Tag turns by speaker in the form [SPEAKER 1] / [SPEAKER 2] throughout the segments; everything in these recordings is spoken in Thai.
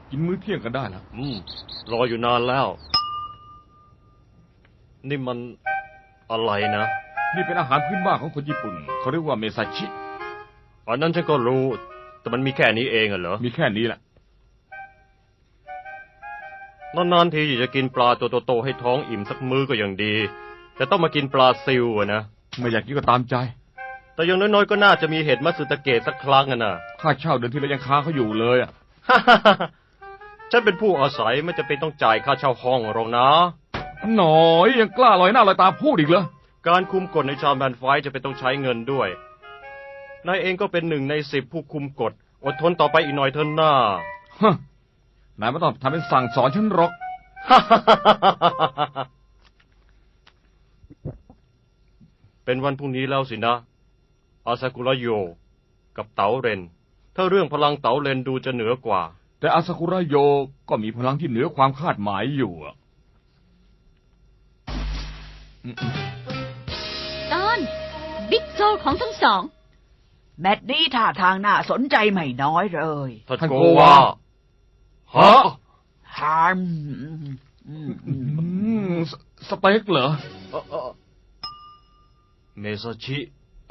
[SPEAKER 1] กินมื้อเที่ยงกันได้แล้ว
[SPEAKER 2] รออยู่นานแล้วนี่มันอะไรนะ
[SPEAKER 1] นี่เป็นอาหารพื้นบ้านของคนญี่ปุ่นเขาเรียกว่าเมซาชิ
[SPEAKER 2] อันนั้นฉันก็รู้แต่มันมีแค่นี้เองเหรอ
[SPEAKER 1] มีแค่นี้แหละ
[SPEAKER 2] นานๆทีจะกินปลาตัวโตๆให้ท้องอิ่มสักมื้อก็ยังดีแต่ต้องมากินปลาซิวนะ
[SPEAKER 1] ไม่อยากกินก็ตามใจ
[SPEAKER 2] แต่อย่างน้อยๆก็น่าจะมีเห็ดมัตสึตะเกะสักครั้งนะ
[SPEAKER 1] ค่าเช่าเดือนที่แล้วยังค้างเขาอยู่เลย
[SPEAKER 2] ฉันเป็นผู้อาศัยไม่จะเป็นต้องจ่ายค่าเช่าห้องหรอกนะ
[SPEAKER 1] หน่อยยังกล้าลอยหน้าลอยตาพูดอีกเหรอ
[SPEAKER 2] การคุมกฎในชาวแมนไฟจะเป็นต้องใช้เงินด้วยนายเองก็เป็น1 ใน 10ผู้คุมกฎอดทนต่อไปอีกหน่อยเถอะหน้
[SPEAKER 1] านายไม่ต้องทำเป็นสั่งสอนฉันหรอก
[SPEAKER 2] เป็นวันพรุ่งนี้แล้วสินะอาซากุระโยกับเต๋าเรนถ้าเรื่องพลังเต๋าเรนดูจะเหนือกว่า
[SPEAKER 1] แต่อาซากุระโยก็มีพลังที่เหนือความคาดหมายอยู่
[SPEAKER 3] ตอนบิ๊กโซลของทั้งสอง
[SPEAKER 4] แมตช์นี้ท่าทางน่าสนใจไม่น้อยเลย
[SPEAKER 2] ท่านโกวาฮะ
[SPEAKER 4] ฮาม
[SPEAKER 1] สเต็กเหรอ
[SPEAKER 2] เมซาชิ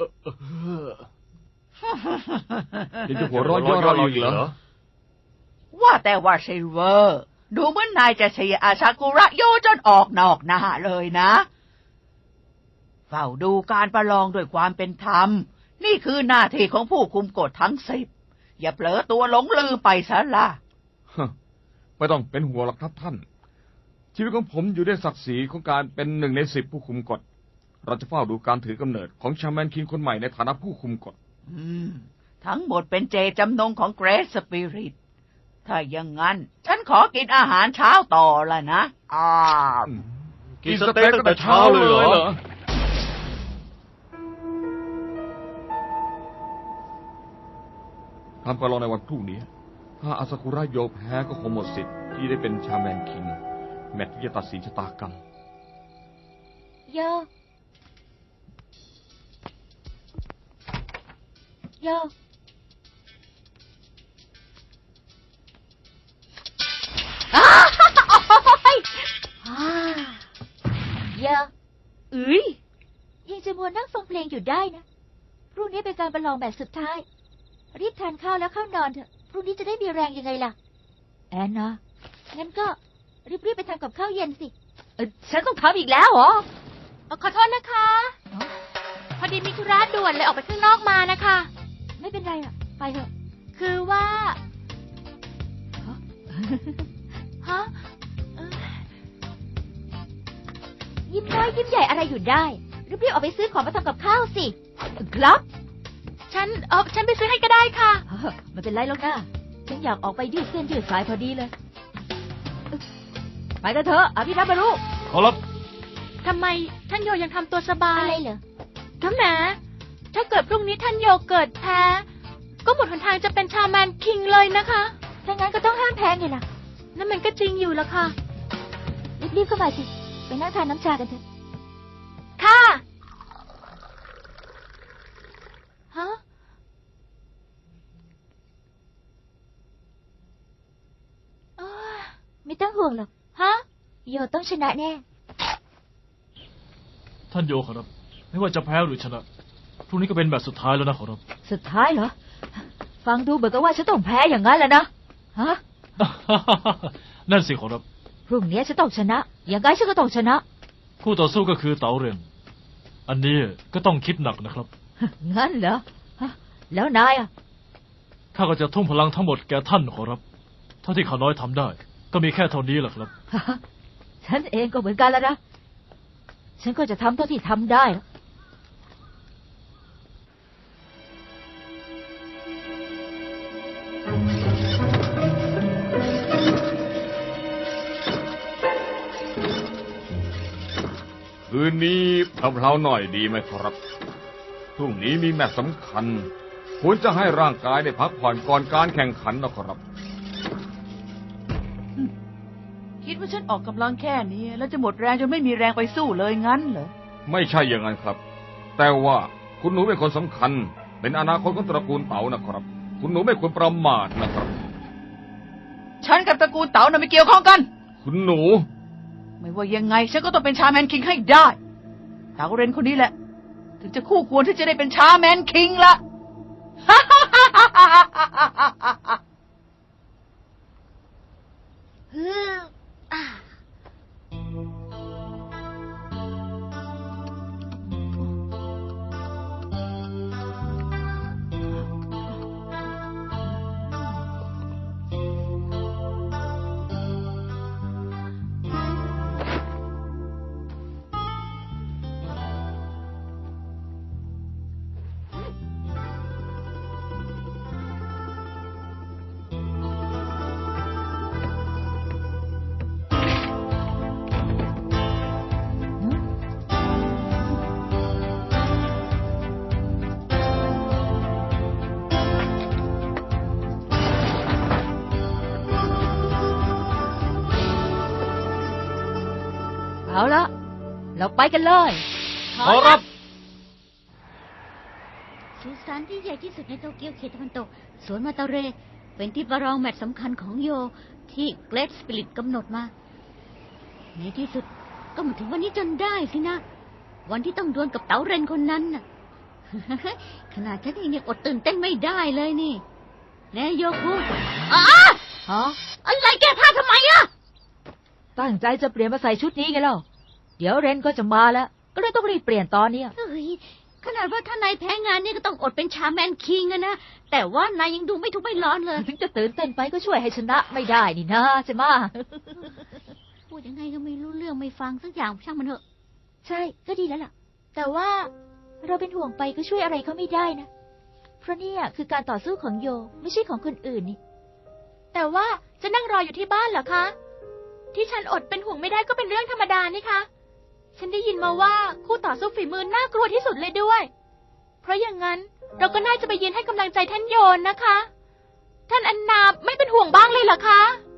[SPEAKER 1] ยังจะหัวเราะย่อเราอีกเหรอ
[SPEAKER 4] ว่าแต่ว่าซิลเวอร์ดูเหมือนนายจะเชียร์อาซากุระโยจนออกนอกหน้าเลยนะเฝ้าดูการประลองด้วยความเป็นธรรมนี่คือหน้าที่ของผู้คุมกฎทั้ง10อย่าเผลอตัวหลงลืมไปซะละ
[SPEAKER 1] ไม่ต้องเป็นห่วงหรอกครับท่านชีวิตของผมอยู่ในศักดิ์ศรีของการเป็น1 ใน 10ผู้คุมกฎเราจะเฝ้าดูการถือกำเนิดของชาแมนคิงคนใหม่ในฐานะผู้คุมกฎ
[SPEAKER 4] ทั้งหมดเป็นเจตจำนงของเกรทสปิริตถ้าอย่างนั้นฉันขอกินอาหารเช้าต่อละนะ
[SPEAKER 2] กินสเต็กตั้งแต่เช้าเลยเหรอ
[SPEAKER 1] ทำการลองในวันพรุ่งนี้ถ้าอาซากุระโยแพ้ก็คงหมดสิทธิ์ที่ได้เป็นชาแมนคิงแมตช์ที่จะตัดสินชะตากรรม
[SPEAKER 3] โยโยเยอะยังจะมัวนั่งฟังเพลงอยู่ได้นะพรุ่งนี้เป็นการประลองแบบสุดท้ายรีบทานข้าวแล้วเข้านอนเถอะพรุ่งนี้จะได้มีแรงยังไงล่ะแอนนะงั้นก็รีบไปทำกับข้าวเย็นสิฉันต้องทำอีกแล้วเหรอขอโทษนะคะพอดีมีธุระด่วนเลยออกไปข้างนอกมานะคะไม่เป็นไรอ่ะไปเถอะคือว่าฮะยิ้มน้อยยิ้มใหญ่อะไรอยู่ได้รีบๆออกไปซื้อของมาทำกับข้าวสิครับฉันไปซื้อให้ก็ได้ค่ะไม่เป็นไรหรอกนะฉันอยากออกไปยืดเส้นยืดสายพอดีเลยไปกันเถอะอภิรัตน์มารุ
[SPEAKER 2] ขอรับ
[SPEAKER 3] ทำไมท่านโยยังทำตัวสบายอะไรเหรอก็แหมถ้าเกิดพรุ่งนี้ท่านโยเกิดแพ้ก็หมดหนทางจะเป็นชาแมนคิงเลยนะคะถ้างั้นก็ต้องห้ามแพ้ไงล่ะนั่นมันก็จริงอยู่ละค่ะรีบเข้ามาสิไปนั่งทานน้ำชากันเถอะค่ะฮะไม่ต้องห่วงหรอกฮะโยต้องชนะแน่
[SPEAKER 5] ท่านโยขอรับไม่ว่าจะแพ้หรือชนะพรุ่งนี้ก็เป็นแบบสุดท้ายแล้วนะขอรับ
[SPEAKER 3] สุดท้ายเหรอฟังดูเหมือนกับว่าฉันต้องแพ้อย่างนั้นแหละนะฮะ
[SPEAKER 5] นั่นสิขอรับ
[SPEAKER 3] พรุ่งนี้ฉันต้องชนะอย่างไรฉันก็ต้องชนะ
[SPEAKER 5] คู่ต่อสู้ก็คือเต๋าเรนอันนี้ก็ต้องคิดหนักนะครับ
[SPEAKER 3] งั้นเหรอแล้วนายอ่ะ
[SPEAKER 5] ข้าก็จะทุ่มพลังทั้งหมดแก่ท่านขอรับเท่าที่ข้าน้อยทำได้ก็มีแค่เท่านี้แหละครับ
[SPEAKER 3] ฉันเองก็เหมือนกันแล้วนะฉันก็จะทำเท่าที่ทำได้
[SPEAKER 1] คืนนี้เพลาๆหน่อยดีไหมครับพรุ่งนี้มีแมตช์สำคัญควรจะให้ร่างกายได้พักผ่อนก่อนการแข่งขันนะครับ
[SPEAKER 4] คิดว่าฉันออกกำลังแค่นี้แล้วจะหมดแรงจนไม่มีแรงไปสู้เลยงั้นเหรอ
[SPEAKER 1] ไม่ใช่อย่างนั้นครับแต่ว่าคุณหนูเป็นคนสำคัญเป็นอนาคตของตระกูลเต๋านะครับคุณหนูไม่ควรประมาทนะครับ
[SPEAKER 4] ฉันกับตระกูลเต๋าน่ะไม่เกี่ยวข้องกัน
[SPEAKER 1] คุณหนู
[SPEAKER 4] ไม่ว่ายังไงฉันก็ต้องเป็นชาแมนคิงให้ได้ เต๋าเรนคนนี้แหละ ถึงจะคู่ควรที่จะได้เป็นชาแมนคิงละ
[SPEAKER 3] เอาละเราไปกันเลย
[SPEAKER 5] ขอรับ
[SPEAKER 6] สุสานที่ใหญ่ที่สุดในโตเกียวเขตตะวันตกสวนมาตาเร เป็นที่ประลองแมตช์สำคัญของโยที่เกรทสปิริตกำหนดมา ในที่สุดก็มาถึงวันนี้จนได้สินะ วันที่ต้องดวลกับเต๋าเรนคนนั้นน่ะ ขนาดฉันเองยังอดตื่นเต้นไม่ได้เลยนี่แน่โยคุอ้า
[SPEAKER 3] ฮะ
[SPEAKER 6] อะไรแกพลาดทำไมอะ
[SPEAKER 3] ตั้งใจจะเปลี่ยนมาใส่ชุดนี้ไงเล่าเดี๋ยวเรนก็จะมาแล้ว ก็เลยต้องรีบเปลี่ยนตอนเนี้ย
[SPEAKER 6] เฮ้ยขนาดว่าถ้านายแพ้งานนี่ก็ต้องอดเป็นชาแมนคิงอะนะแต่ว่านายยังดูไม่ทุกข์ไม่ร้อนเลย
[SPEAKER 3] ถึงจะตื่นเต้นไปก็ช่วยให้ชนะไม่ได้นี่นะใช่ไหมะ
[SPEAKER 6] พูดยังไงก็ไม่รู้เรื่องไม่ฟังสักอย่างช่างมันเถอะ
[SPEAKER 3] ใช่ก็ดีแล้วล่ะ แต่ว่าเราเป็นห่วงไปก็ช่วยอะไรเขาไม่ได้นะ เพราะเนี่ยคือการต่อสู้ของโยไม่ใช่ของคนอื่นนี่ แต่ว่าจะนั่งรออยู่ที่บ้านเหรอคะ ที่ฉันอดเป็นห่วงไม่ได้ก็เป็นเรื่องธรรมดานี่คะ ฉันได้ยินมาว่าคู่ต่อสู้ฝีมือน่ากลัวที่สุดเลยด้วย เพราะอย่างนั้นเราก็น่าจะไปยืนให้กำลังใจท่านโยนนะคะ ท่านอันนาไม่เป็นห่วงบ้างเลยเหรอคะ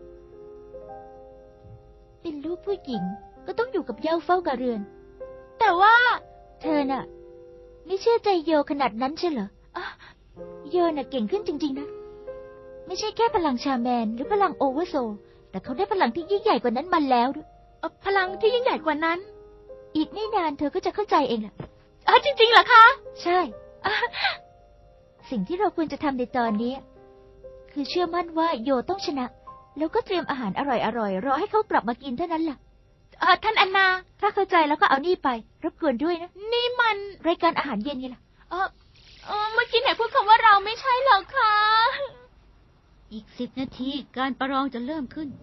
[SPEAKER 3] เป็นลูกผู้หญิงก็ต้องอยู่กับเหย้าเฝ้ากะเรือน แต่ว่าเธอน่ะ ไม่เชื่อใจโยขนาดนั้นใช่เหรออ่ะโยน่ะเก่งขึ้นจริงๆนะ ไม่ใช่แค่พลังชาแมนหรือพลังโอเวอร์โซลแต่เขาได้พลังที่ยิ่งใหญ่กว่านั้นมาแล้วด้วยพลังที่ยิ่งใหญ่กว่านั้น อีกไม่นานเธอก็จะเข้าใจเองแหละจริงๆเหรอคะ ใช่สิ่งที่เราควรจะทำในตอนนี้ คือเชื่อมั่นว่าโยต้องชนะ แล้วก็เตรียมอาหารอร่อยๆรอให้เขากลับมากินเท่านั้นล่ะท่านอันนา ถ้าเข้าใจแล้วก็เอานี่ไป รบกวนด้วยนะ นี่มันรายการอาหารเย็นไงล่ะเมื่อกี้ไหนพูดคำว่าเราไม่ใช่หรอคะ
[SPEAKER 6] อีก10 นาทีการประลองจะเริ่มขึ้น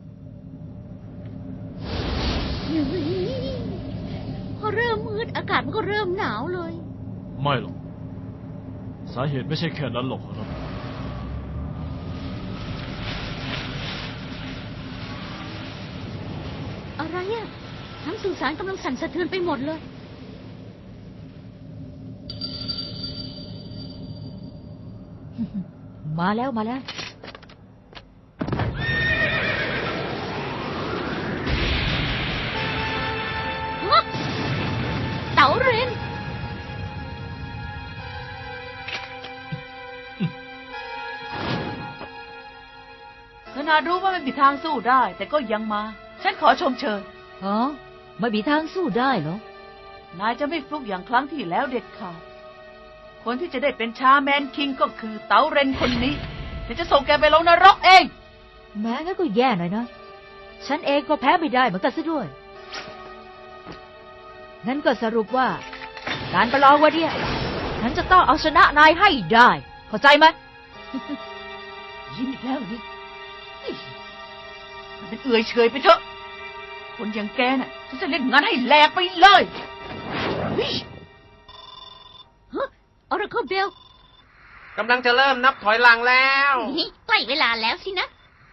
[SPEAKER 6] พอเริ่มมืดอากาศมันก็เริ่มหนาวเลย
[SPEAKER 5] ไม่หรอก สาเหตุไม่ใช่แค่นั้นหรอกครับ
[SPEAKER 6] อะไรอะทั้งสุสานกำลังสั่นสะเทือนไปหมดเลย
[SPEAKER 3] มาแล้วมาแล้ว
[SPEAKER 6] เต๋าเรน
[SPEAKER 4] ขนาดรู้ว่าไม่มีทางสู้ได้ แต่ก็ยังมา ฉันขอชมเชย
[SPEAKER 3] อ๋อ ไม่มีทางสู้ได้เหรอ
[SPEAKER 4] นายจะไม่ฟลุกอย่างครั้งที่แล้วเด็ดขาด คนที่จะได้เป็นชาแมนคิงก็คือเต๋าเรนคนนี้ฉันจะส่งแกไปลงนรกเอง
[SPEAKER 3] แม้งั้นก็แย่หน่อยนะ ฉันเองก็แพ้ไม่ได้เหมือนกันซะด้วย งั้นก็สรุปว่า การประลองวันเนี้ยฉันจะต้องเอาชนะนายให้ได้ เข้าใจไหม
[SPEAKER 4] ยิ้มอีกแล้วนี่มันเป็นเอื่อยเฉยไปเถอะ คนอย่างแกน่ะฉันจะเล่นงานให้แหลกไปเลยเฮ้ย
[SPEAKER 6] ฮะออร์เคิลเบล
[SPEAKER 7] กำลังจะเริ่มนับถอยหลังแล้ว
[SPEAKER 6] ใกล้เวลาแล้วสินะ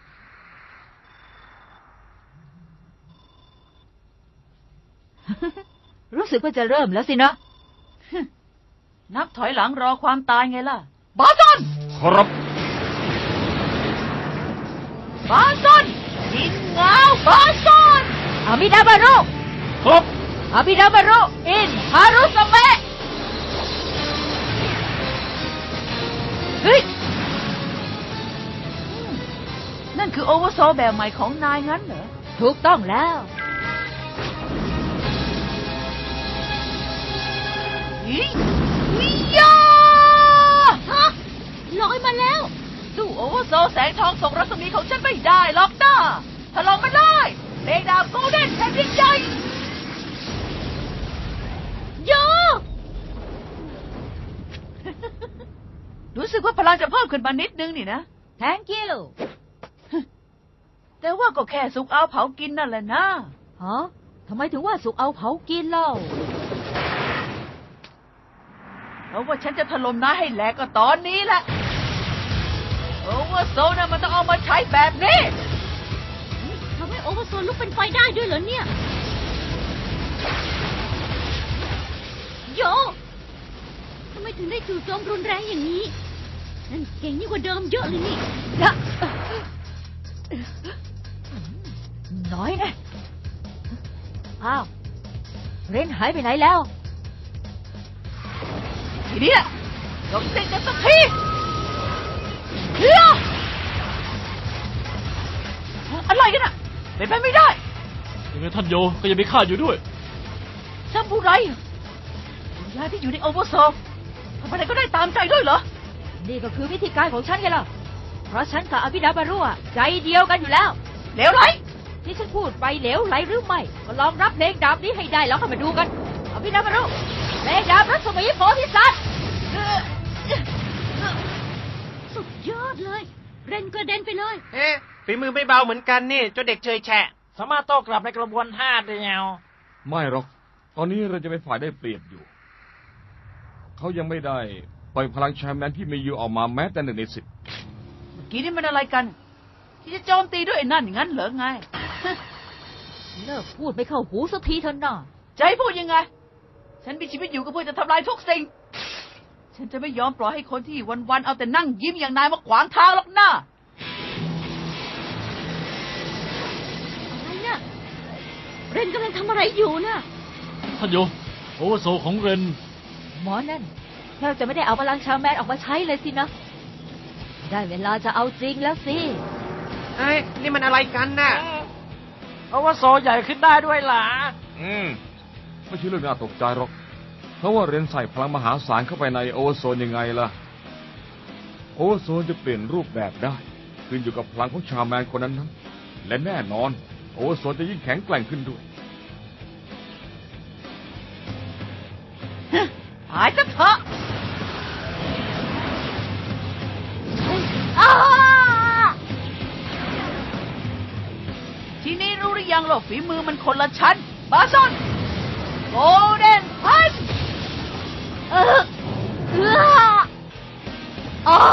[SPEAKER 3] รู้สึกว่าจะเริ่มแล้วสินะ
[SPEAKER 4] นับถอยหลังรอความตายไงล่ะ บาซอน
[SPEAKER 1] ครับ
[SPEAKER 4] บาซอนยิงเงาบาซอน
[SPEAKER 3] อามิดาบารุ
[SPEAKER 1] ครับ
[SPEAKER 3] อามิดาบารุอินฮารุสเมะเฮ้ย
[SPEAKER 4] นั่นคือโอเวอร์โซลแบบใหม่ของนายงั้นเหรอ
[SPEAKER 3] ถูกต้องแล้ว
[SPEAKER 4] อีอียา
[SPEAKER 6] ฮะลอยมาแล้ว
[SPEAKER 4] สู้โอเวอร์โซลแสงทองส่งรัศมีของฉันไม่ได้หรอกนะถ้าลองมันได้เพลงดาวโกลเด้นแผ่นดินใหญ่
[SPEAKER 6] โย
[SPEAKER 4] รู้สึกว่าพลังจะเพิ่มขึ้นมานิดนึงนี่นะ
[SPEAKER 3] thank you
[SPEAKER 4] แต่ว่าก็แค่สุกเอาเผากินนั่นแหละนะ
[SPEAKER 3] ฮะทำไมถึงว่าสุกเอาเผากินเล่า
[SPEAKER 4] เพราะว่าฉันจะถล่มนายให้แหลกก็ตอนนี้แหละโอเวอร์โซลน่ะมันต้องเอามาใช้แบบนี้
[SPEAKER 6] ทำให้โอเวอร์โซลลุกเป็นไฟได้ด้วยเหรอเนี่ย โยทำไมถึงได้จู่โจมรุนแรงอย่างนี้ นั่นเก่งยิ่งกว่าเดิมเยอะเลยนี่
[SPEAKER 3] นะน้อยนะอ้าวเรนหายไปไหนแล้ว
[SPEAKER 4] ทีนี้แหละจบสิ้นกันสักทีเฮียอะไรกันอ่ะเป็นไปไม่ได้
[SPEAKER 5] ยังไงท่านโยก็ยังมีข้าอยู่ด้วย
[SPEAKER 4] ซาบูไรวิญญาณที่อยู่ในโอเวอร์โซลทำอะไรก็ได้ตามใจด้วยเหรอ
[SPEAKER 3] นี่ก็คือวิธีการของฉันไงล่ะ เพราะฉันกับอภิดาบารุอะใจเดียวกันอยู่แล้ว
[SPEAKER 4] เหลวไหล
[SPEAKER 3] ที่ฉันพูดไปเหลวไหลหรือไม่ ก็ลองรับเพลงดาบนี้ให้ได้แล้วเข้ามาดูกัน อภิดาบารุเพลงดาบรัศมีโพธิสัตว์
[SPEAKER 6] สุดยอดเลย เรนกระเด็นไปเลย
[SPEAKER 7] เอ๊ะฝีมือไม่เบาเหมือนกันนี่เจ้าเด็กเชยแฉะ
[SPEAKER 8] สามารถโต้กลับในกระบวนท่าเดียว
[SPEAKER 1] ไม่หรอก ตอนนี้เราจะเป็นฝ่ายได้เปรียบอยู่ เขายังไม่ได้ปล่อยพลังแชมแมนที่มีอยู่ออกมาแม้แต่1 ใน 10
[SPEAKER 4] เมื่อกี้นี่มันอะไรกัน ที่จะโจมตีด้วยไอ้นั่นอย่างนั้นเหรอไง
[SPEAKER 3] เลิกพูดไม่เข้าหูสักทีเถอะน่ะ
[SPEAKER 4] จะให้พูดยังไง ฉันมีชีวิตอยู่ก็เพื่อจะทำลายทุกสิ่ง ฉันจะไม่ยอมปล่อยให้คนที่วันๆเอาแต่นั่งยิ้มอย่างนายมาขวางทางหรอกนะ
[SPEAKER 6] อะไรน่ะ เรนกำลังทำอะไรอยู่น่ะ
[SPEAKER 5] ท่านโยโอเวอร์โซลของเรน
[SPEAKER 3] หมอนั่นแทบจะไม่ได้เอาพลังชาวแมนออกมาใช้เลยสินะ ได้เวลาจะเอาจริงแล้วสิ
[SPEAKER 7] เอ้ยนี่มันอะไรกันน่ะ
[SPEAKER 8] เพราะว่าโซใหญ่ขึ้นได้ด้วยล่ะ
[SPEAKER 1] ไม่ใช่เรื่องน่าตกใจหรอก เพราะว่าเรนใส่พลังมหาศาลเข้าไปในโอเวอร์โซนยังไงล่ะ โอเวอร์โซนจะเปลี่ยนรูปแบบได้ ขึ้นอยู่กับพลังของชาวแมนคนนั้นๆและแน่นอน โอเวอร์โซนจะยิ่งแข็งแกร่งขึ้นด้วย
[SPEAKER 4] หายซะเถอะ
[SPEAKER 3] อ้า
[SPEAKER 4] ทีนี้รู้หรือยังหรอฝีมือมันคนละชั้น บาซอนโกลเด้นพัน
[SPEAKER 3] อ้า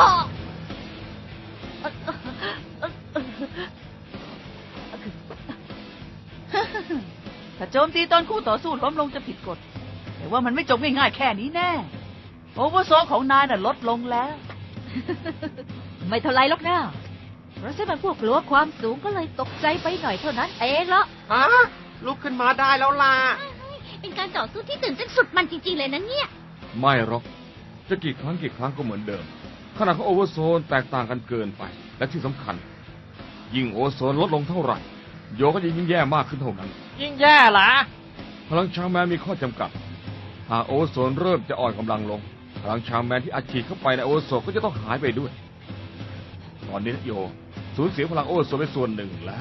[SPEAKER 4] ถ้าโจมตีตอนคู่ต่อสู้ล้มลงจะผิดกฎ แต่ว่ามันไม่จบง่ายๆแค่นี้แน่ โอเวอร์โซลของนายน่ะลดลงแล้ว
[SPEAKER 3] ไม่เท่าไรหรอกนะเพราะฉันมันพวกกลัวความสูงก็เลยตกใจไปหน่อยเท่านั้นเองละ
[SPEAKER 7] ฮะ ลุกขึ้นมาได้แล้วล่ะ
[SPEAKER 6] เป็นการต่อสู้ที่ตื่นเต้นสุดมันจริงๆเลยนะเนี่ย
[SPEAKER 1] ไม่หรอก จะกี่ครั้งก็เหมือนเดิม ขนาดของโอเวอร์โซนแตกต่างกันเกินไป และที่สำคัญ ยิ่งโอเวอร์โซนลดลงเท่าไหร่ โยก็จะยิ่งแย่มากขึ้นเท่านั้น
[SPEAKER 8] ยิ่งแย่ล่ะ
[SPEAKER 1] พลังชาวแมนมีข้อจำกัด หากโอเวอร์โซนเริ่มจะอ่อนกำลังลง พลังชาวแมนที่อัดฉีดเข้าไปในโอเวอร์โซนก็จะต้องหายไปด้วย ตอนนี้โยสูญเสียพลังโอเวอร์โซนไปส่วนหนึ่งแล้ว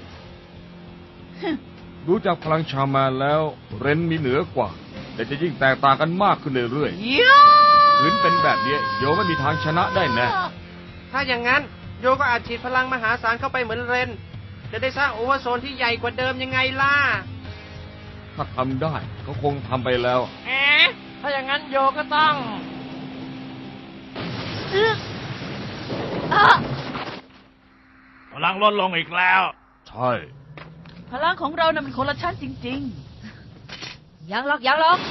[SPEAKER 1] ดูจากพลังชาวแมนแล้วเรนมีเหนือกว่า แต่จะยิ่งแตกต่างกันมากขึ้นเรื่อย
[SPEAKER 4] เยี่ย
[SPEAKER 1] ๆถึงเป็นแบบนี้โยไม่มีทางชนะได้แน่
[SPEAKER 7] ถ้าอย่างนั้นโยก็อาจฉีดพลังมหาศาลเข้าไปเหมือนเรน จะได้สร้างโอเวอร์โซนที่ใหญ่กว่าเดิมยังไงล่ะ
[SPEAKER 1] ถ้าทำได้ก็คงทำไปแล้ว
[SPEAKER 8] เอ๊ะ ถ้าอย่างนั้นโยก็ต้อง พลังลดลงอีกแล้ว
[SPEAKER 1] ใช่
[SPEAKER 4] พลังของเราน่ะมันคนละชั้นจริง
[SPEAKER 3] ยังหรอกยังหรอก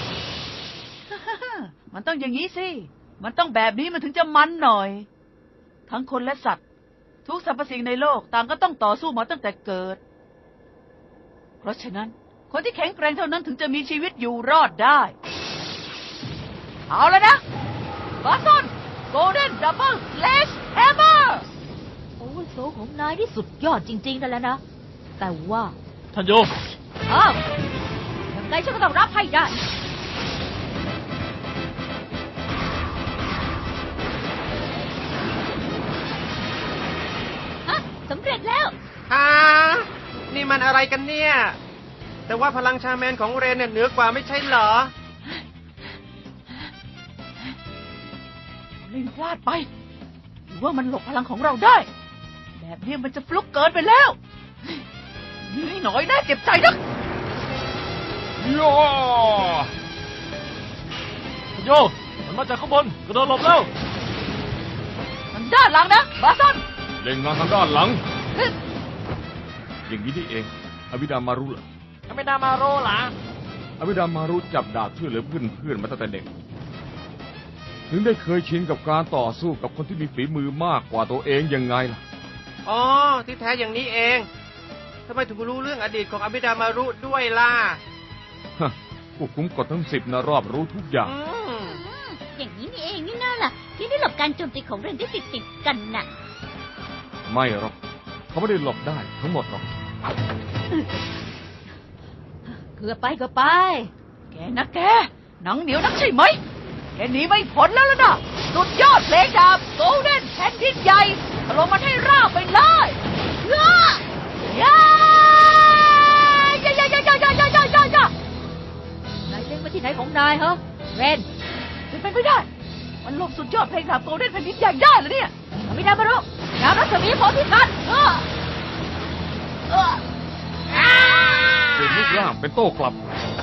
[SPEAKER 4] ๆ มันต้องอย่างนี้สิ มันต้องแบบนี้มันถึงจะมันหน่อย ทั้งคนและสัตว์ ทุกสรรพสิ่งในโลกต่างก็ต้องต่อสู้มาตั้งแต่เกิด เพราะฉะนั้น คนที่แข็งแกร่งเท่านั้นถึงจะมีชีวิตอยู่รอดได้ เอาแล้วนะบาซอนโกลเด้นดับเบิลสแลชแฮมเมอร์
[SPEAKER 3] โอเวอร์โซลของของนายที่สุดยอดจริงๆนั่นแหละนะ แต่ว่า
[SPEAKER 5] ท่านโย
[SPEAKER 3] อ้าวยังไงฉันก็ต้องรับให้ได้
[SPEAKER 6] ฮะสำเร็จแล้ว
[SPEAKER 7] ฮะนี่มันอะไรกันเนี่ย แต่ว่าพลังชาแมนของเรนเนี่ยเหนือกว่าไม่ใช่เหรอ
[SPEAKER 4] เล่นพลาดไป หรือว่ามันหลบพลังของเราได้ แบบนี้มันจะฟลุกเกินไปแล้วนี่หน่อยน่าเจ็บใจนัก
[SPEAKER 1] โย
[SPEAKER 5] ท่านโย มันมาจากข้างบนกระโดดหลบแล้ว
[SPEAKER 4] ทางด้านหลังนะบาซอน
[SPEAKER 1] เล่นงานทางด้านหลัง อย่างนี้นี่เอง อบิดามารุเหรอ
[SPEAKER 8] ไม่ได้มาโรหรอ
[SPEAKER 1] อบิดามารุจับดาบช่วยเหลือเพื่อนๆมาตั้งแต่เด็ก ถึงได้เคยชินกับการต่อสู้กับคนที่มีฝีมือมากกว่าตัวเองยังไงล่ะ
[SPEAKER 7] อ๋อ ที่แท้อย่างนี้เองทำไมถึงรู้เรื่องอดีตของอบิดามารุด้วยล่ะ
[SPEAKER 1] ฮะผู้คุมกฎทั้ง10นะรอบรู้ทุกอย่าง
[SPEAKER 6] อย่างนี้นี่เองนี่น่าล่ะ ที่ได้หลบการโจมตีของเรนที่ติดกันน่ะ
[SPEAKER 1] ไม่หรอกเขาไม่ได้หลบได้ทั้งหมดหรอก
[SPEAKER 3] เกือบไปก็ไป
[SPEAKER 4] แกนะแก หนังเหนียวนักใช่ไหม แกหนีไม่พ้นแล้วล่ะนะสุดยอดเพลงดาบโกลเด้นแผ่นดินใหญ่ถล่มมันให้ราบไปเลยย่าย่าย่าย่าย่าย่าย่าย่าย่าย่าย่าน
[SPEAKER 3] ายเล็งมาที่ไหนของนายเหรอเรน
[SPEAKER 4] เป็นไปไม่ได้ มันหลบสุดยอดเพลงดาบโกลเด้นแผ่นดินใหญ่ได้เหรอเนี่ย
[SPEAKER 3] อบิดามารุน้ำรัศมีโพธิสัตว์
[SPEAKER 1] เปลี่ยนรูปร่างเป็นโต้กลับ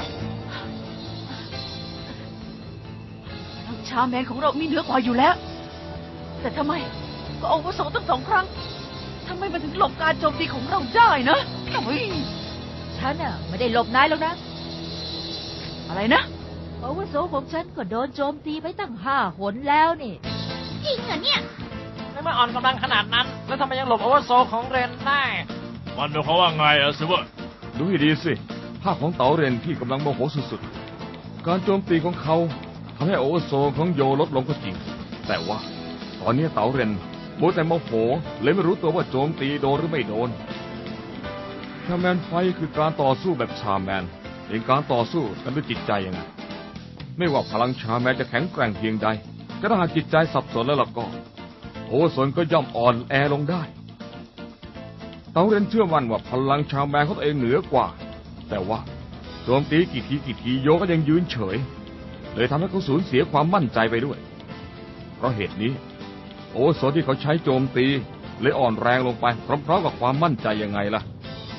[SPEAKER 4] พลังชาแมนของเรามีเหนือกว่าอยู่แล้ว แต่ทำไมก็อาวุโสตั้ง2 ครั้งทำไมมันถึงหลบการโจมตีของเราได้นะโอ้ย
[SPEAKER 3] ฉันน่ะไม่ได้หลบนายหรอกนะ
[SPEAKER 4] อะไรนะ
[SPEAKER 3] อาวุโสของฉันก็โดนโจมตีไปตั้ง5 หนแล้วนี่
[SPEAKER 6] จริงเหรอเนี่ย
[SPEAKER 8] ไม่มาอ่อนกำลังขนาดนั้น แล้วทำไมยังหลบโอเวอร์โซลของเรนได้
[SPEAKER 5] มันเป็นเขามว่าไงอะซิเวอร์
[SPEAKER 1] ดูให้ดีสิ ภาพของเต๋าเรนที่กำลังโมโหสุดๆ การโจมตีของเขาทำให้โอเวอร์โซลของโยลดลงก็จริง แต่ว่าตอนนี้เต๋าเรนมัวแต่โมโหเลยไม่รู้ตัวว่าโจมตีโดนหรือไม่โดน ชาแมนไฟท์คือการต่อสู้แบบชาแมนเป็นการต่อสู้กันด้วยจิตใจยังไง ไม่ว่าพลังชาแมนจะแข็งแกร่งเพียงใดก็ถ้าหากจิตใจสับสนแล้วล่ะก็โอเวอร์โซลก็ย่อมอ่อนแอลงได้ เต๋าเรนเชื่อมั่นว่าพลังชาแมนของตัวเองเหนือกว่า แต่ว่าโจมตีกี่ทีโยก็ยังยืนเฉยเลยทำให้เขาสูญเสียความมั่นใจไปด้วย เพราะเหตุนี้โอเวอร์โซลที่เขาใช้โจมตีเลยอ่อนแรงลงไปพร้อมๆกับความมั่นใจยังไงล่ะ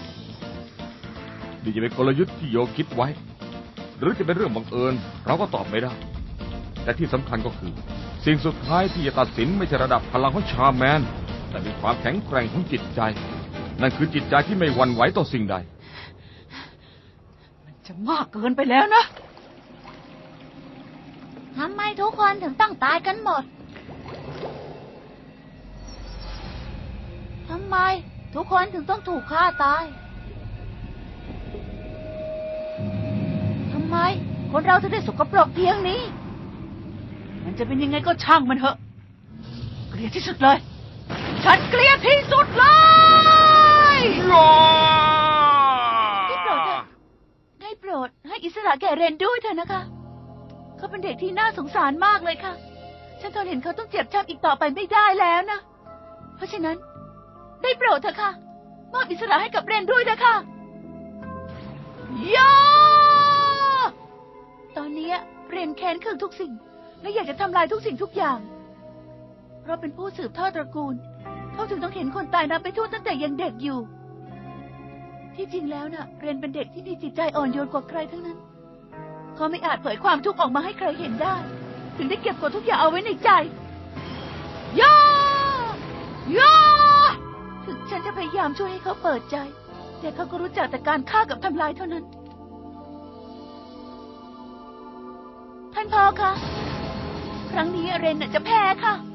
[SPEAKER 1] นี่จะเป็นกลยุทธ์ที่โยคิดไว้ หรือจะเป็นเรื่องบังเอิญเราก็ตอบไม่ได้ แต่ที่สำคัญก็คือสิ่งสุดท้ายที่จะตัดสินไม่ใช่ระดับพลังของชาแมนแต่เป็นความแข็งแกร่งของจิตใจ นั่นคือจิตใจที่ไม่หวั่นไหวต่อสิ่งใด
[SPEAKER 4] มันจะมากเกินไปแล้วนะ
[SPEAKER 6] ทำไมทุกคนถึงต้องตายกันหมด
[SPEAKER 3] ทำไมทุกคนถึงต้องถูกฆ่าตาย ทำไมคนเราถึงได้สกปรกเพียงนี้
[SPEAKER 4] มันจะเป็นยังไงก็ช่างมันเถอะ เกลียดที่สุดเลย ฉันเกลียดที่สุดเลย
[SPEAKER 3] ได้โปรดให้อิสระแก่เรนด้วยเถอะนะคะ เขาเป็นเด็กที่น่าสงสารมากเลยค่ะ ฉันทนเห็นเขาต้องเจ็บช้ำอีกต่อไปไม่ได้แล้วนะ เพราะฉะนั้น ได้โปรดเถอะค่ะ มอบอิสระให้กับเรนด้วยนะคะย่าตอนนี้เรนแค้นเคืองทุกสิ่ง และอยากจะทำลายทุกสิ่งทุกอย่าง เพราะเป็นผู้สืบทอดตระกูล เขาถึงต้องเห็นคนตายนับไปทั่วตั้งแต่ยังเด็กอยู่ ที่จริงแล้วน่ะ เรนเป็นเด็กที่มีจิตใจอ่อนโยนกว่าใครทั้งนั้น เขาไม่อาจเผยความทุกข์ออกมาให้ใครเห็นได้ ถึงได้เก็บกดทุกอย่างเอาไว้ในใจย่าย่าถึงฉันจะพยายามช่วยให้เขาเปิดใจ แต่เขาก็รู้จักแต่การฆ่ากับทำลายเท่านั้น ท่านพ่อคะ ครั้งนี้เรนน่ะจะแพ้ค่ะ